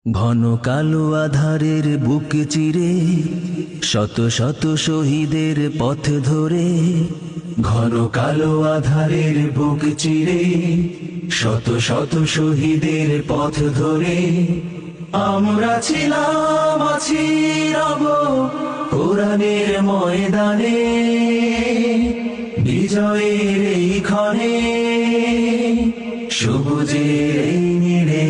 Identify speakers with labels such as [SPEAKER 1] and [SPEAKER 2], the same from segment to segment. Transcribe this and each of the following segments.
[SPEAKER 1] ঘন কালো আধারের বুক চিরে শত শত শহীদের পথ ধরে, ঘন কালো আধারের বুক চিরে শত শত শহীদের পথ ধরে আমরা ছিলাম, আছি, রব কোরআনের ময়দানে, বিজয়ের এই ক্ষণে, সবুজের এই নীড়ে।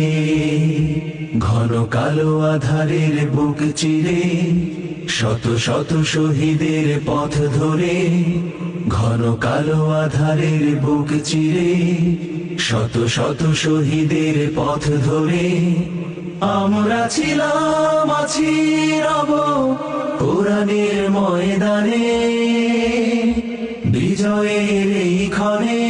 [SPEAKER 1] ঘন কালো আধারের বুক চিরে শত শত শহীদের পথ ধরে, ঘন কালো আধারের বুক চিরে শত শত শহীদের পথ ধরে আমরা ছিলাম, আছি, রব কোরআনের ময়দানে, বিজয়ের এই ক্ষণে,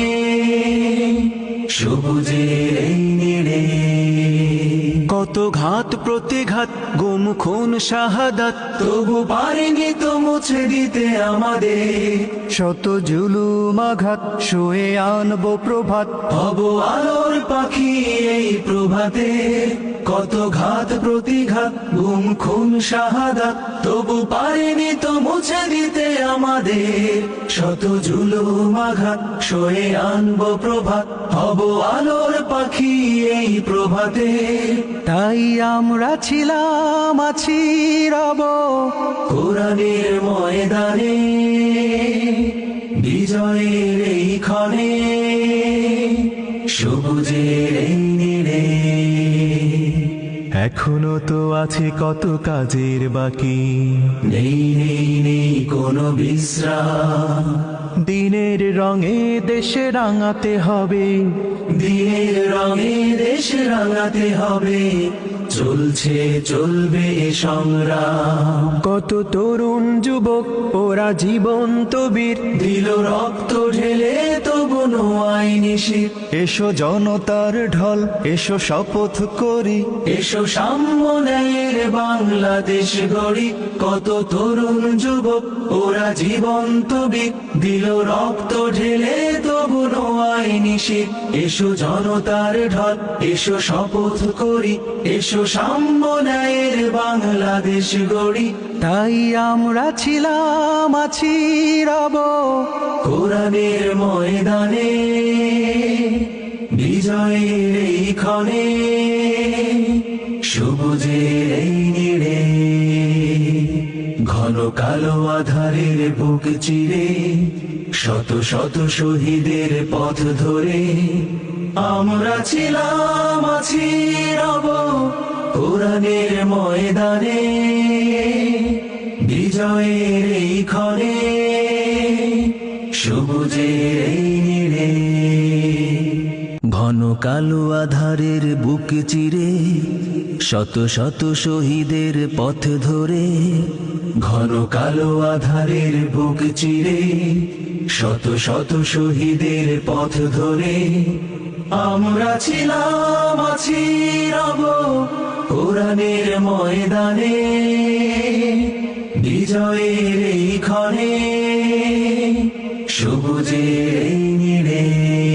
[SPEAKER 1] সবুজের এই নীড়ে।
[SPEAKER 2] কত ঘাত প্রতিঘাত, গুম খুন শাহাদাত,
[SPEAKER 1] তবু পারিনি তো মুছে দিতে আমাদের
[SPEAKER 2] শত জুলুম আঘাত, শুয়ে আনবো প্রভাত,
[SPEAKER 1] হব আলোর পাখি এই প্রভাতে। কত ঘাত প্রতিঘাত, গুম খুন শাহাদাত, তবু পারিনি তো মুছে দিতে আমাদের শত জুলুম আঘাত, সয়ে আনবো প্রভাত, হব আলোর পাখি এই প্রভাতে।
[SPEAKER 2] তাই আমরা ছিলাম, আছি, রব
[SPEAKER 1] কোরআনের ময়দানে, বিজয়ের এই ক্ষণে, সবুজের এই নীড়ে।
[SPEAKER 2] এখনো তো আছে কত কাজের বাকি,
[SPEAKER 1] নেই নেই নেই কোনো বিশ্রাম,
[SPEAKER 2] দিনের রঙে দেশে রাঙাতে হবে,
[SPEAKER 1] দিনের রঙে দেশ রাঙাতে হবে, চলছে চলবে সংগ্রাম।
[SPEAKER 2] কত তরুণ যুবক ওরা জীবন্ত বীর,
[SPEAKER 1] দিল রক্ত ঢেলে তবু নোয়াই নিশির।
[SPEAKER 2] এসো জনতার ঢল, এসো শপথ করি,
[SPEAKER 1] এসো সাম্য ন্যায়ের বাংলাদেশ গড়ি। কত তরুণ যুবক ওরা জীবন্ত বীর, দিল রক্ত ঢেলে তবু নোয়াই নিশির। এসো জনতার ঢল, এসো শপথ করি, এসো সাম্য ন্যায়ের বাংলাদেশ গড়ি।
[SPEAKER 2] তাই আমরা ছিলাম, আছি, রব
[SPEAKER 1] কোরআনের ময়দানে, বিজয়ের এই ক্ষণে, সবুজের এই নীড়ে। ঘন কালো আধারের বুক চিরে শত শত শহীদের পথ ধরে আমরা ছিলাম, আছি, রব কোরআনের ময়দানে, বিজয়ের এই ক্ষণে, সবুজের এই নীড়ে। ঘন কালো আধারের বুক চিরে শত শত শহীদের পথ ধরে, ঘন কালো আধারের বুক চিরে শত শত শহীদের পথ ধরে আমরা ছিলাম, আছি, রব কোরআনের ময়দানে, বিজয়ের এই ক্ষণে, সবুজের এই নীড়ে।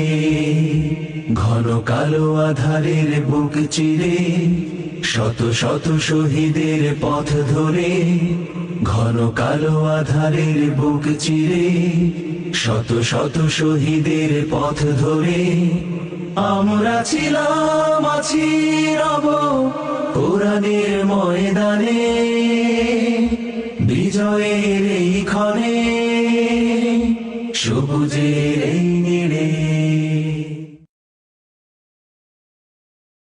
[SPEAKER 1] ঘন কালো আধারের বুক চিরে শত শত শহীদের পথ ধরে, ঘন কালো আধারের বুক চিরে শত শত শহীদের পথ ধরে আমরা ছিলাম, আছি, রব কোরআনের ময়দানে, বিজয়ের এই ক্ষণে, সবুজের এই